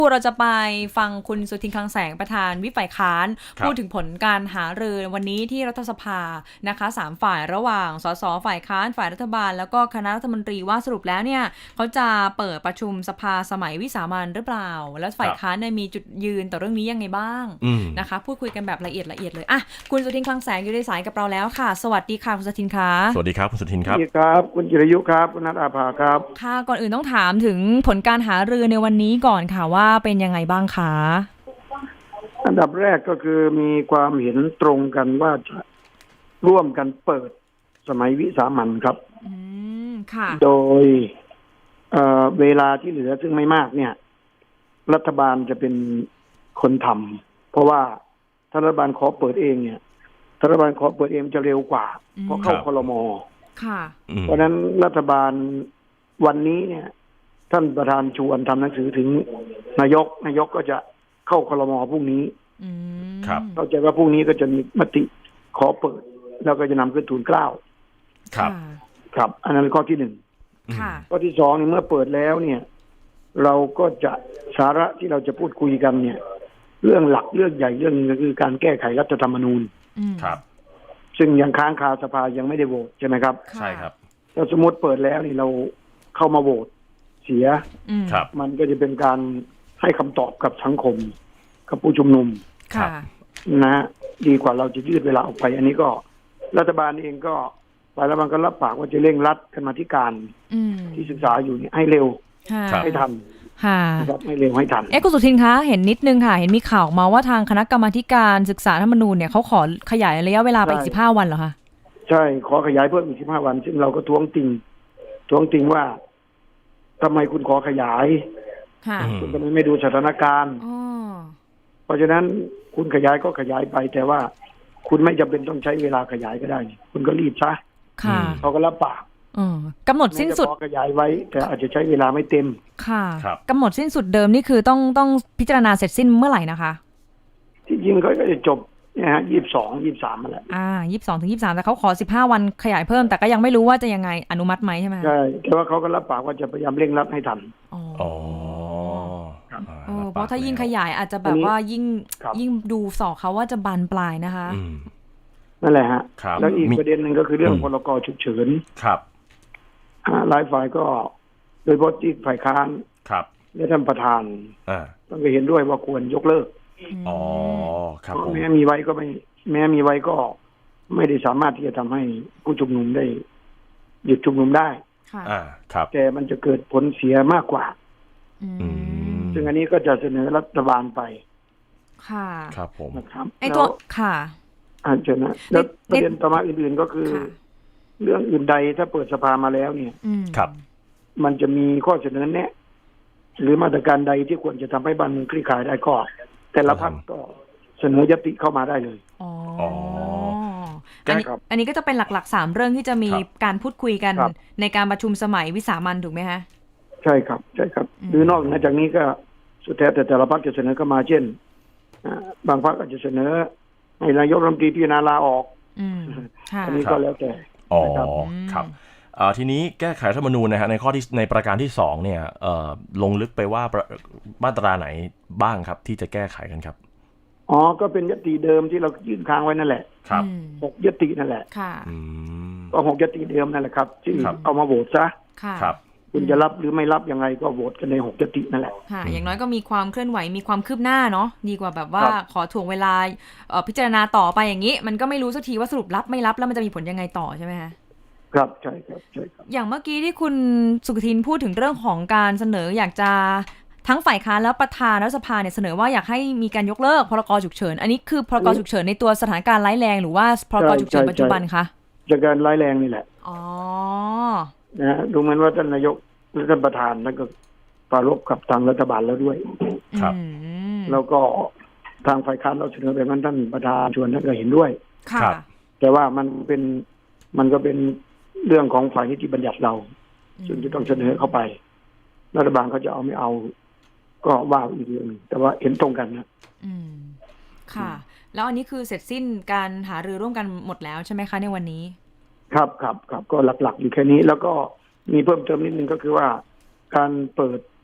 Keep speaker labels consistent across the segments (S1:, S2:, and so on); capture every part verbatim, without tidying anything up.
S1: เราจะไปฟังคุณสุทินคลังแสงประธานวิปฝ่ายค้านพูดถึงผลการหารือวันนี้ที่รัฐสภานะคะสามฝ่ายระหว่างสสฝ่ายค้านฝ่ายรัฐบาลแล้วก็คณะรัฐมนตรีว่าสรุปแล้วเนี่ยเขาจะเปิดประชุมสภาสมัยวิสามัญหรือเปล่าแล้วฝ่ายค้านเนี่ยมีจุดยืนต่อเรื่องนี้ยังไงบ้างนะคะพูดคุยกันแบบละเอียดละเอียดเลยอ่ะคุณสุทินคลังแสงอยู่ในสายกับเราแล้วค่ะสวัสดีค่ะคุณสุทินคะ
S2: สวัสดีครับคุณสุทินครับ
S3: สวัสดีครับคุณจิรยุครับคุณนัทอาภาครับ
S1: ค่ะก่อนอื่นต้องถามถึงผลการหารือในวันนี้ก่อนค่ะว่าเป็นยังไงบ้างคะ
S3: อันดับแรกก็คือมีความเห็นตรงกันว่าจะร่วมกันเปิดสมัยวิสามัญครับ
S1: อืมค่ะ
S3: โดยเอ่อเวลาที่เหลือซึ่งไม่มากเนี่ยรัฐบาลจะเป็นคนทำเพราะว่าถ้ารัฐบาลขอเปิดเองเนี่ยถ้ารัฐบาลขอเปิดเองจะเร็วกว่าเพราะเข้าครม.
S1: ค่ะ
S3: เพราะฉะนั้นรัฐบาลวันนี้เนี่ยท่านประธานชวนทำหนังสือถึงนายกนายกก็จะเข้าครม.พรุ่งนี้
S2: ครับ
S3: เข้าใจว่าพรุ่งนี้ก็จะมีมติขอเปิดแล้วก็จะนำขึ้นทูลเกล้า
S2: ครับ
S3: ครับอันนั้นข้อที่หนึ่งข้อที่สองเนี่ยเมื่อเปิดแล้วเนี่ยเราก็จะสาระที่เราจะพูดคุยกันเนี่ยเรื่องหลักเรื่องใหญ่เรื่องนึงก็คือการแก้ไขรัฐธรรมนูญ
S2: ครับ
S3: ซึ่งยังค้างคาสภายังไม่ได้โหวตใช่ไหมครับ
S2: ใช่ครับ
S3: ถ้าสมมติเปิดแล้วนี่เราเข้ามาโหวตเสียมันก็จะเป็นการให้คำตอบกับสังคมกับผู้ชุมนุมนะดีกว่าเราจะยืดเวลาออกไปอันนี้ก็รัฐบาลเองก็ฝ่ายรัฐบาลก็รับปากว่าจะเร่งรัดกันมาธิการที่ศึกษาอยู่นี่ให้เร็วให้ทันนะครับให้เร็วให้ทัน
S1: เอ๊ะคุณสุทินคะเห็นนิดนึงค่ะเห็นมีข่าวมาว่าทางคณะกรรมาการศึกษารัฐธรรมนูญเนี่ยเขาขอขยายระยะเวลาไปอีกสิบห้าวันเหรอคะ
S3: ใช่ขอขยายเพิ่มอีกสิบห้าวันซึ่งเราก็ท้วงติงท้วงติงว่าทำไมคุณขอขยายคุณทำไมไม่ดูสถานการณ์เพราะฉะนั้นคุณขยายก็ขยายไปแต่ว่าคุณไม่จำเป็นต้องใช้เวลาขยายก็ได้คุณก็รีบซะเขาก็รับปาก
S1: กำหนดสิ้นสุด
S3: ขยายไว้แต่อาจจะใช้เวลาไม่เต็ม
S1: ค่ะกำหนดสิ้นสุดเดิมนี่คือต้องต้องพิจารณาเสร็จสิ้นเมื่อไหร่นะคะ
S3: ที่จริงเขาก็จะจบเนี่ยฮะยี่สิบสองยี่สิบสามมาแล้ว
S1: อ่ายี่สิบสองถึงยี่สิบสามแต่เขาขอสิบห้าวันขยายเพิ่มแต่ก็ยังไม่รู้ว่าจะยังไงอนุมัติไหมใช่ไหม
S3: ใช่แต่ว่าเขาก็รับปากว่าจะพยายามเร่งรัดให้ทัน
S1: อ๋อเพราะถ้ายิ่งขยายอาจจะแบบว่ายิ่งยิ่งดูสอกเขาว่าจะบานปลายนะคะ
S3: นั่นแหละฮะแล้วอีกประเด็นหนึ่งก็คือเรื่องพรกฉุกเฉิน
S2: ครับ
S3: หลายฝ่ายก็โดยเฉพาะที่ฝ่ายค้าน
S2: ครับ
S3: และท่านประธานต้องเห็นด้วยว่าควรยกเลิก
S2: อ๋อครับ
S3: แม้มีไว้ก็ไม่แม้มีไว้ก็ไม่ได้สามารถที่จะทำให้ผู้ชุมนุมได้หยุดชุมนุมได้
S2: อ่าครับ
S3: แต่มันจะเกิดผลเสียมากกว่าซึ่งอันนี้ก็จะเสนอรัฐบาลไป
S1: ค่ะ
S2: ครับผม
S3: นะครับ
S1: ไอ้ตัวค่ะ
S3: อ่าเชิญนะแล้วประเด็นต่อมาอื่นๆก็คือเรื่องอื่นใดถ้าเปิดสภามาแล้วเนี่ย
S2: ครับ
S3: มันจะมีข้อเสนอแนะหรือมาตรการใดที่ควรจะทำให้บ้านเมืองคลี่คลายได้ก็แต่ละพรรคก็เสนอยติเข้ามาได้เลย
S1: อ๋ออันนี้อันนี้ก็จะเป็นหลักๆสามเรื่องที่จะมีการพูดคุยกันในการประชุมสมัยวิสามัญถูกไหมคะ
S3: ใช่ครับใช่ครับหรือนอกจากนี้ก็สุดแท้แต่แต่ละพรรคจะเสนอเข้ามาเช่นบางพรรคอาจจะเสนอให้นายกรัฐมนตรีพิจารณาลาออกอันนี้ก็แล้วแต่
S2: อ๋อครับทีนี้แก้ไขรัฐธรรมนูญนะฮะในข้อที่ในประการที่สองเนี่ยลงลึกไปว่ามาตราไหนบ้างครับที่จะแก้ไขกันครับ
S3: อ๋อก็เป็นยติเดิมที่เรายื่นค้างไว้นั่นแหละ
S2: ครับ
S3: หกยตินั่นแหละ
S1: ค่ะ
S3: ก็หกยติเดิมนั่นแหละครับที่เอามาโหวตซะ
S2: ครับ
S3: คุณจะรับหรือไม่รับยังไงก็โหวตกันในหกยตินั่นแหละ
S1: ค่ะอย่างน้อยก็มีความเคลื่อนไหวมีความคืบหน้าเนาะดีกว่าแบบว่าขอถ่วงเวลาพิจารณาต่อไปอย่างนี้มันก็ไม่รู้สักทีว่าสรุปรับไม่รับแล้วมันจะมีผลยังไงต่อใช่ไหมคะ
S3: ครับใช่ครับใช่ครับ
S1: อย่างเมื่อกี้ที่คุณสุทินพูดถึงเรื่องของการเสนออยากจะทั้งฝ่ายค้านและประธานรัฐสภาเนี่ยเสนอว่าอยากให้มีการยกเลิกพรกฉุกเฉินอันนี้คือพรกฉุกเฉินในตัวสถานการณ์ร้ายแรงหรือว่าพรกฉุกเฉินปัจจุบันคะ
S3: สถานการณ์ร้ายแรงนี่แหละ
S1: อ๋อ
S3: นะดูเหมือนว่าท่านนายกและท่านประธานนั่นก็ปรารภกับทางรัฐบาลแล้วด้วย
S2: ครับ
S3: แล้วก็ทางฝ่ายค้านเราเสนอแบบนั้นท่านประธานชวนท่านก็เห็นด้วย
S1: ค่ะ
S3: แต่ว่ามันเป็นมันก็เป็นเรื่องของฝ่ายนิติบัญญัติเราซึ่งจะต้องเสนอเข้าไปรัฐบาลเขาจะเอาไม่เอาก็ว่าอีกเรื่องนึงแต่ว่าเห็นตรงกันนะ
S1: อืมค่ะแล้วอันนี้คือเสร็จสิ้นการหารือร่วมกันหมดแล้วใช่ไหมคะในวันนี้
S3: ครับครับครับก็หลักๆอยู่แค่นี้แล้วก็มีเพิ่มเติมนิดนึงก็คือว่าการเปิด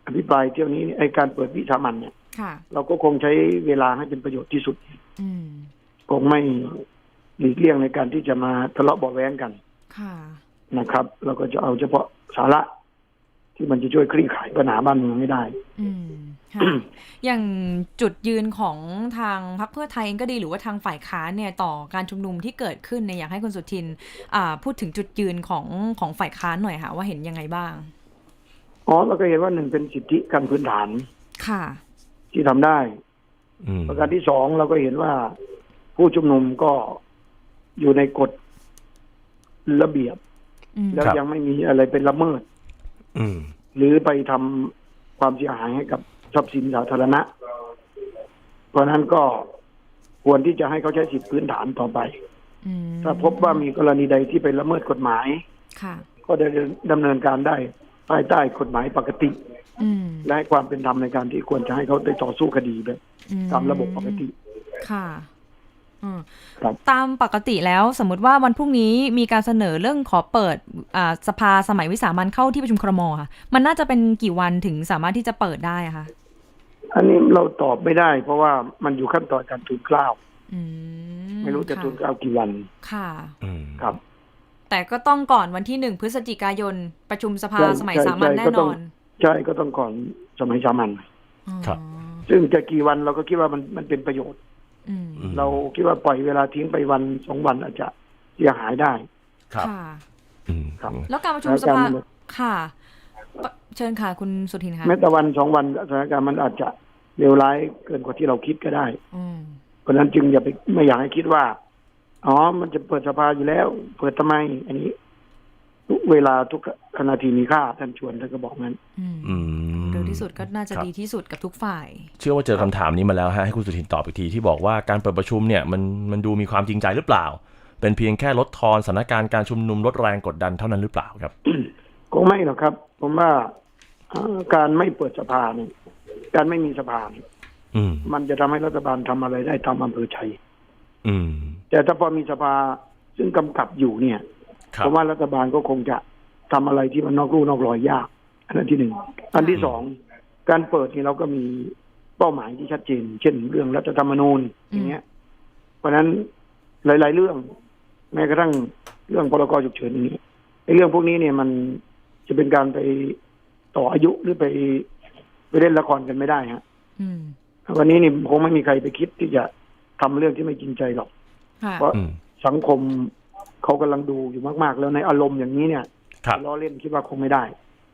S3: อภิปรายเที่ยวนี้ไอการเปิดวิสามัญเนี่ยเราก็คงใช้เวลาให้เป็นประโยชน์ที่สุดคงไม่หลีกเลี่ยงในการที่จะมาทะเลาะเบาะแว้งกันนะครับเราก็จะเอาเฉพาะสาระที่มันจะช่วยคลี่คลายปัญหาบ้านเมืองให้ได้
S1: อย่างจุดยืนของทางพรรคเพื่อไทยเองก็ดีหรือว่าทางฝ่ายค้านเนี่ยต่อการชุมนุมที่เกิดขึ้นเนี่ยอยากให้คุณสุทินพูดถึงจุดยืนของของฝ่ายค้านหน่อยค่ะว่าเห็นยังไงบ้าง
S3: อ๋อเราก็เห็นว่าหนึ่งเป็นสิทธิการพื้นฐาน
S1: ค่ะ
S3: ที่ทำได้ประการที่สองเราก็เห็นว่าผู้ชุมนุมก็อยู่ในกฎระเบียบแล้วยังไม่มีอะไรเป็นละเมิดหรือไปทำความเสียหายให้กับทรัพย์สินสาธารณะเพราะนั้นก็ควรที่จะให้เขาใช้สิทธิพื้นฐานต่อไปถ้าพบว่ามีกรณีใดที่ไปละเมิดกฎหมายก็ได้ดำเนินการได้ภายใต้กฎหมายปกติและให้ความเป็นธรรมในการที่ควรจะให้เขาได้ต่อสู้คดีแบบตามระบบปกติ
S1: ค่ะตามปกติแล้วสมมติว่าวันพรุ่งนี้มีการเสนอเรื่องขอเปิดสภาสมัยวิสามัญเข้าที่ประชุมครม.ค่ะมันน่าจะเป็นกี่วันถึงสามารถที่จะเปิดได้คะ
S3: อันนี้เราตอบไม่ได้เพราะว่ามันอยู่ขั้นตอนการทูลเกล้าไม่รู้จะทูลเกล้ากี่วัน
S1: ค่ะ
S3: ครับ
S1: แต่ก็ต้องก่อนวันที่หนึ่งพฤศจิกายนประชุมสภาสมัยสามัญแน่นอน
S3: ใช่ก็ต้องก่อนสมัยสามัญครับซึ่งจะกี่วันเราก็คิดว่ามันมันเป็นประโยชน์เราคิดว่าปล่อยเวลาทิ้งไปวันสองวันอาจจะเสียหายได้
S1: ครับครับแล้วการประชุมสภาค่ะเชิญค่ะคุณสุทินค่ะ
S3: แม้แต่วันสองวันสถานการณ์มันอาจจะเลวร้ายเกินกว่าที่เราคิดก็ได้เพราะนั้นจึงอย่าไปไม่อยากให้คิดว่าอ๋อมันจะเปิดสภาอยู่แล้วเปิดทำไมอันนี้ทุกเวลาทุกนาทีมีค่าท่านชวนท่านก็บอกงั้น
S1: เร็วที่สุดก็น่าจะดีที่สุดกับทุกฝ่าย
S2: เชื่อว่าเจอคำถามนี้มาแล้วฮะให้คุณสุทินตอบอีกทีที่บอกว่าการเปิดประชุมเนี่ยมันมันดูมีความจริงใจหรือเปล่าเป็นเพียงแค่ลดทอนสถานการณ์การชุมนุมลดแรงกดดันเท่านั้นหรือเปล่าครับ
S3: คงไม่หรอกครับผมว่าการไม่เปิดสภาเนี่ยการไม่มีสภามันจะทำให้รัฐบาลทำอะไรได้ตามอำเภอใจแต่ถ้าพอมีสภาซึ่งกำกับอยู่เนี่ยเพราะว่ารัฐบาลก็คงจะทำอะไรที่มันนอกลู่นอกรอยยากอันนั้นที่หนึ่งอันที่สองการเปิดนี่เราก็มีเป้าหมายที่ชัดเจนเช่นเรื่องรัฐธรรมนูญอย่างเงี้ยเพราะฉะนั้นหลายๆเรื่องแม้กระทั่งเรื่องพรกฉุกเฉินนี้ไอ้เรื่องพวกนี้เนี่ยมันจะเป็นการไปต่ออายุหรือไปไปเล่นละครกันไม่ได้ฮะวันนี้นี่คงไม่มีใครไปคิดที่จะทำเรื่องที่ไม่จริงใจหรอกเพราะสังคมเขากำลังดูอยู่มากๆแล้วในอารมณ์อย่างนี้เนี่ยล้อเล่นคิดว่าคงไม่ได้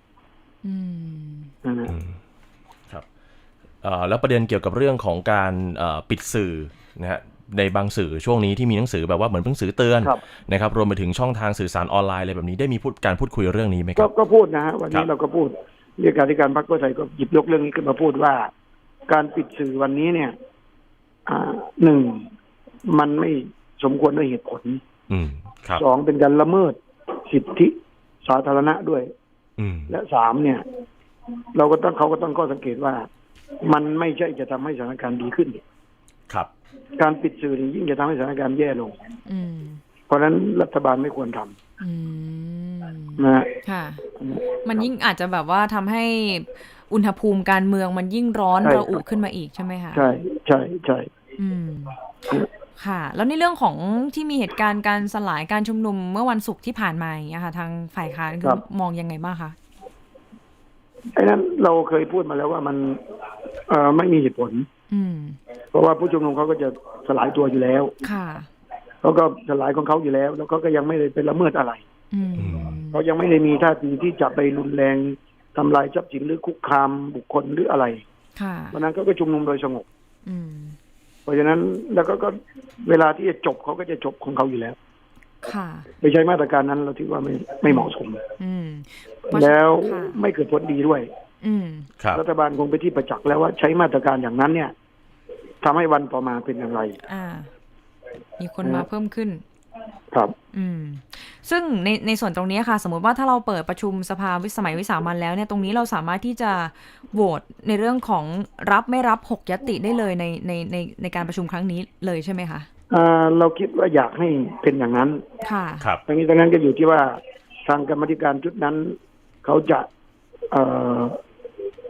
S2: ครับแล้วประเด็นเกี่ยวกับเรื่องของการปิดสื่อนะฮะในบางสื่อช่วงนี้ที่มีหนังสือแบบว่าเหมือนหนังสือเตือนนะครับรวมไปถึงช่องทางสื่อสารออนไลน์อะไรแบบนี้ได้มีพูดการพูดคุยเรื่องนี้ไหมครับ
S3: ก็พูดนะฮะวันนี้เราก็พูดเลขาธิการพรรคเพื่อไทยก็หยิบยกเรื่องนี้ขึ้นมาพูดว่าการปิดสื่อวันนี้เนี่ยหนึ่งมันไม่สมควรด้วยเหตุผลสองเป็นการละเมิดสิทธิสาธารณะด้วยและสามเนี่ยเราก็ต้องเขาก็ต้องข้อสังเกตว่ามันไม่ใช่จะทำให้สถานการณ์ดีขึ้น
S2: ครับ
S3: การปิดสื่อนี่ยิ่งจะทำให้สถานการณ์แย่ลงเพราะฉะนั้นรัฐบาลไม่ควรทำนะ
S1: ค่ะมันยิ่งอาจจะแบบว่าทำให้อุณหภูมิการเมืองมันยิ่งร้อนระอุขึ้นมาอีกใช่ไหมคะ
S3: ใช่ใช่ใช่
S1: ค่ะแล้วในเรื่องของที่มีเหตุการณ์การสลายการชุมนุมเมื่อวันศุกร์ที่ผ่านมาอย่างเงี้ยค่ะทางฝ่ายค้านมองยังไงบ้างคะ
S3: ไอ้นั้นเราเคยพูดมาแล้วว่ามันเอ่อไม่มีเหตุผลเพราะว่าผู้ชุมนุมเขาก็จะสลายตัวอยู่แล้ว
S1: ค่ะ
S3: เขาก็สลายของเขาอยู่แล้วแล้วเขาก็ยังไม่ได้ไปละเมิดอะไรเขายังไม่ได้มีท่าทีที่จะไปรุนแรงทำลายทรัพย์สินหรือคุกคามบุคคลหรืออะไรเพราะนั้นเขาก็ชุมนุมโดยสงบเพราะฉะนั้นแล้วก็ก็เวลาที่จะจบเขาก็จะจบของเขาอยู่แล้ว
S1: ค่ะ
S3: ไปใช้มาตรการนั้นเราถือว่าไม่ไม่เหมาะสมแล้วไม่เกิดผลดีด้วยรัฐบาลคงไปที่ประจักษ์แล้วว่าใช้มาตรการอย่างนั้นเนี่ยทำให้วันต่อมาเป็นอย่างไร
S1: อ่ามีคนมาเพิ่มขึ้น
S3: ครับ
S1: อืมซึ่งในในส่วนตรงนี้ค่ะสมมติว่าถ้าเราเปิดประชุมสภาวิสมัยวิสามัญแล้วเนี่ยตรงนี้เราสามารถที่จะโหวตในเรื่องของรับไม่รับหกญัตติได้เลยในในในในการประชุมครั้งนี้เลยใช่ไหมคะ
S3: อ่าเราคิดว่าอยากให้เป็นอย่างนั้น
S1: ค่ะ
S2: ครับ
S3: ตรงนี้ตรงนั้นก็อยู่ที่ว่าทางกรรมธิการชุดนั้นเขาจะเอ่อ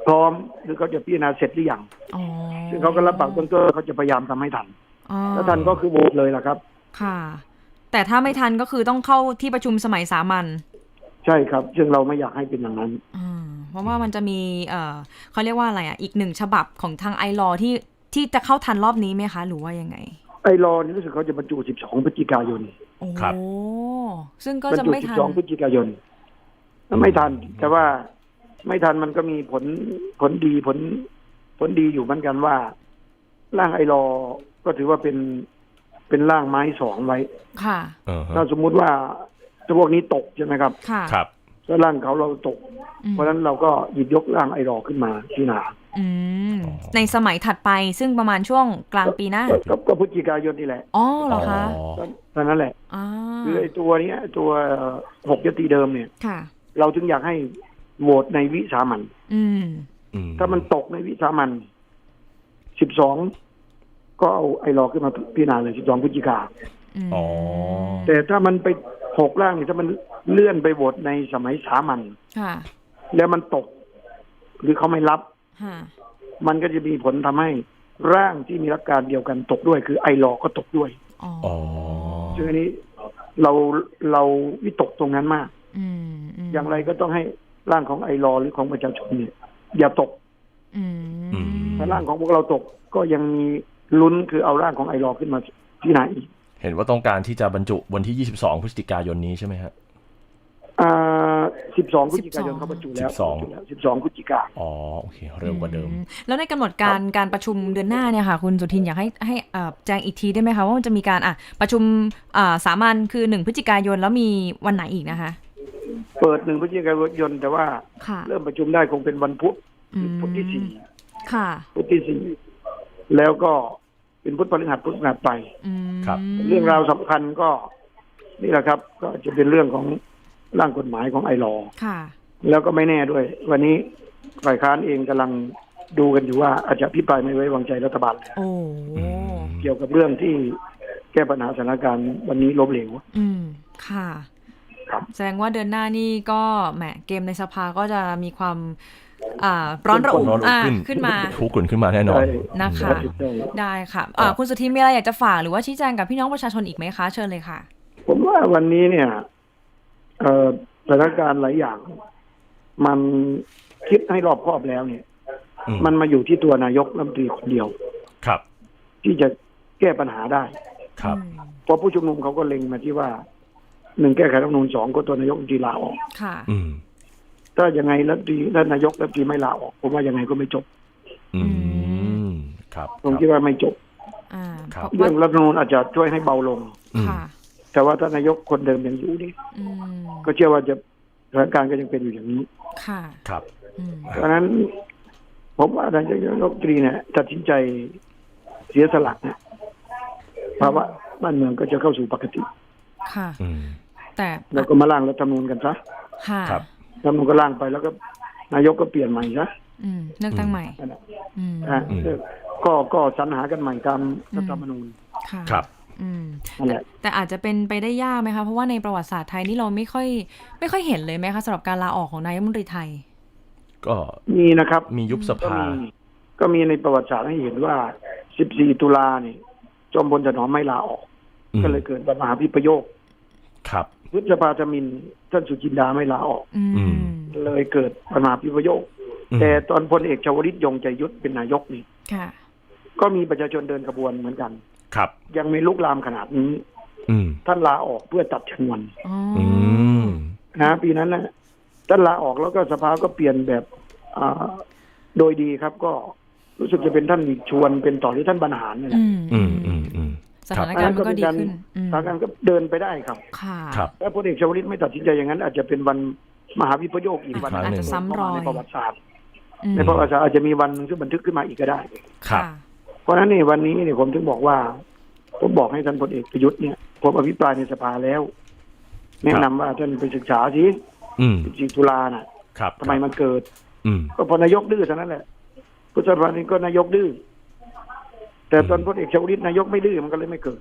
S3: พร้อมหรือเขาจะพิจารณาเสร็จหรือยังซึ่งเขาก็รับปากต้นๆเขาจะพยายามทำให้ทันแล้วทันก็คือโหวตเลยล่ะครับ
S1: ค่ะแต่ถ้าไม่ทันก็คือต้องเข้าที่ประชุมสมัยสามัญ
S3: ใช่ครับซึ่งเราไม่อยากให้เป็นอย่างนั้น
S1: เพราะว่ามันจะมีเอ่อเขาเรียกว่าอะไรอ่ะอีกหนึ่งฉบับของทางไอลอที่ที่จะเข้าทันรอบนี้ไหมคะหรือว่ายังไง
S3: ไอลอนี่รู้สึกเขาจะบรรจุสิบสองพฤศจิกายน
S1: ครับซึ่งก็จะไม่ทัน
S3: สิบสองพฤศจิกายนไม่ทันแต่ว่าไม่ทันมันก็มีผลผลดีผลผลดีอยู่เหมือนกันว่าร่างไอลอก็ถือว่าเป็นเป็นร่างไม้สองไว้
S1: ค่ะ
S3: ถ้าสมมุติว่าพวกนี้ตกใช่ไหมครับ
S1: ค่ะ
S2: ครับ
S3: ถ้าร่างเขาเราตกเพราะฉะนั้นเราก็หยิบยกร่างไอลอขึ้นมาที่นา
S1: ในสมัยถัดไปซึ่งประมาณช่วงกลางปีหน้า
S3: ก็พฤศจิกายนนี่แหละ
S1: อ๋อเหรอคะ
S3: ตอนนั้นแหละคือไอตัวนี้ตัวหกยติเดิมเนี่ยเราจึงอยากให้โหวตในวิสามัญถ้ามันตกในวิสามัญสิบสองก็เอาไอรอขึ้นมาพิจารณาเลยสิบสองพฤศจิกาแต่ถ้ามันไปหกร่างนี่ถ้ามันเลื่อนไปโหวตในสมัยสามัญแล้วมันตกหรือเขาไม่รับมันก็จะมีผลทำให้ร่างที่มีหลักการเดียวกันตกด้วยคือไอรอก็ตกด้วยซึ่งอันนี้เราเราวิตกตรงนั้นมากอย่างไรก็ต้องให้ร่างของไอรอหรือของประชาชนเนี่ยอย่าตกถ้าร่างของพวกเราตกก็ยังมีลุ้นคือเอาร่างของไอรอขึ้นมาที่ไหนอีก
S2: เห็นว่าต้องการที่จะบรรจุวันที่ยี่สิบสองพฤศจิกายนนี้ใช่ไหมฮะ
S3: อ่าสิบสองพฤศจิกายนเขาบรรจุแล้วสิบสองสิบสองพฤศจิกา
S2: อ๋อโอเคเร็วกว่าเดิม
S1: แล้วในกำหนดการการประชุมเดือนหน้าเนี่ยค่ะคุณสุทินอยากให้ให้แจ้งอีกทีได้ไหมคะว่ามันจะมีการอ่ะประชุมอ่าสามัญคือหนึ่งพฤศจิกายนแล้วมีวันไหนอีกนะคะ
S3: เปิดหนึ่งพฤศจิกายนแต่ว่าเริ่มประชุมได้คงเป็นวันพุธพุธที่สี่
S1: ค่ะ
S3: พุธที่สี่แล้วก็เป็นพุธพฤหัสพุธพฤหัสไป
S2: ครับ
S3: เรื่องราวสำคัญก็นี่แหละครับก็จะเป็นเรื่องของร่างกฎหมายของไอลอ
S1: ค่ะ
S3: แล้วก็ไม่แน่ด้วยวันนี้ฝ่ายค้านเองกำลังดูกันอยู่ว่าอาจจะพิปรายไม่ไว้วางใจรัฐบาล
S1: โอ้
S3: เกี่ยวกับเรื่องที่แก้ปัญหาสถานการณ์วันนี้ล้มเหลว
S1: อืมค่ะแสดงว่าเดือนหน้านี่ก็แหมเกมในสภาก็จะมีความอ่าร้อนระอุขึ้นมา
S2: ทุกข์ขึ้นมาแน่นอน
S1: นะคะได้ค่ะคุณสุทินมีอะไรอยากจะฝากหรือว่าชี้แจงกับพี่น้องประชาชนอีกไหมคะเชิญเลยค่ะ
S3: ผมว่าวันนี้เนี่ยสถานการณ์หลายอย่างมันคิดให้รอบคอบแล้วเนี่ยมันมาอยู่ที่ตัวนายกรัฐมนตรีคนเดียว
S2: ครับ
S3: ที่จะแก้ปัญหาได้
S2: ครับ
S3: เพราะผู้ชุมนุมเขาก็เล็งมาที่ว่าหนึ่งแก้ไขรัฐธรรมนูญสองก็ตัวนายกรัฐมนตรีลาออก
S1: ค่ะ
S3: ถ้ายังไงรัฐมนตรีและนายกรัฐมนตรีไม่ลาออกผมว่ายังไงก็ไม่จบ
S2: อืมครับ
S3: ผมคิดว่าไม่จบเรื่องรัฐธรรมนูญอาจจะช่วยให้เบาลงแต่ว่าถ้านายกคนเดิมยังอยู่นี่ก็เชื่อว่าจะสถานการณ์ก็ยังเป็นอยู่อย่างนี้
S1: ค่ะ
S2: ครับ
S3: เพราะฉะนั้นผมว่านายกรัฐมนตรีเนี่ยตัดสินใจเสียสละเนี่ยภาวะบ้านเมืองก็จะเข้าสู่ปกติ
S1: ค่ะแต่
S3: แล้วก็มาร่างรัฐธรรมนูญกันซะ
S1: ค่ะ
S3: รัฐธรรมนูญก็ร่างไปแล้วก็นายกก็เปลี่ยนใหม่ซะ
S1: เลือกตั้งใหม่
S3: ก็ก็สรรหากันใหม่ตามรัฐธรรมนูญ
S2: ครับ
S1: แต่แต่อาจจะเป็นไปได้ยากไหมคะเพราะว่าในประวัติศาสตร์ไทยนี่เราไม่ค่อยไม่ค่อยเห็นเลยไหมคะสำหรับการลาออกของนายกรัฐมนตรีไทย
S2: ก็
S3: มีนะครับ
S2: มียุบสภา
S3: ก็มีในประวัติศาสตร์ให้เห็นว่าสิบสี่ตุลาเนี่ยจอมพลถนอมไม่ลาออกก็เลยเกิดปัญหาพิพโยค
S2: ครับ
S3: พฤษภาธมินท่านสุจินดาไม่ลาออกเลยเกิดปัญหาพิพโยคแต่ตอนพลเอกชวลิตยงใจยุทธเป็นนายกนี่ก็มีประชาชนเดินขบวนเหมือนกัน
S2: ครับ
S3: ยังไม่ลุกลามขนาดนี้ท่านลาออกเพื่อตัดชนวนนะปีนั้นนะท่านลาออกแล้วก็สภาก็เปลี่ยนแบบโดยดีครับก็รู้สึกจะเป็นท่านชวนเป็นต่อที่ท่านบรรหารนี่แหละ
S1: สถานการณ์ก็ดีขึ้น
S3: สถานการณ์ก็เดินไปได้ครับ
S1: ค่ะ
S3: ถ้าพลเอกชวลิตไม่ตัดสินใจอย่างนั้นอาจจะเป็นวันมหาวิปโยคอีกวัน
S1: อาจจะซ้ำรอย
S3: ในประวัติศาสตร์ในประวัติศาสตร์อาจจะมีวันที่บันทึกขึ้นมาอีกก็ได้
S2: ครับ
S3: เพราะฉะนั้นนี่วันนี้เนี่ยผมถึงบอกว่าผมบอกให้ท่านพลเอกประยุทธ์เนี่ยผมอภิปรายในสภาแล้วแนะนำว่าท่านไปศึกษาสิสิบสี่ตุลาน่ะทำไมมันเกิดก็พอนายกดื้อเท่านั้นแหละพุทธภานี้ก็นายกดื้อแต่ตอนพลเอกชวลิตนายกไม่ดื้อมันก็เลยไม่เกิด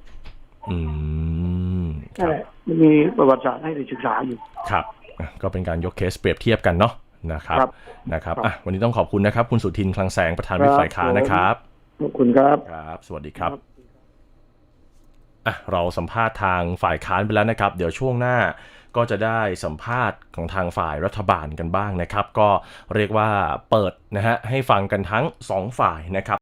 S3: นั่นแหละมันมีประวัติศาสตร์ให้ได้ศึกษาอยู่
S2: ครับก็เป็นการยกเคสเปรียบเทียบกันเนาะนะครับนะครับอ่ะวันนี้ต้องขอบคุณนะครับคุณสุทินคลังแสงประธานวิปฝ่ายค้านนะครับ
S3: ขอบคุณครับ
S2: ครับสวัสดีครับอ่ะเราสัมภาษณ์ทางฝ่ายค้านไปแล้วนะครับเดี๋ยวช่วงหน้าก็จะได้สัมภาษณ์ของทางฝ่ายรัฐบาลกันบ้างนะครับก็เรียกว่าเปิดนะฮะให้ฟังกันทั้งสองฝ่ายนะครับ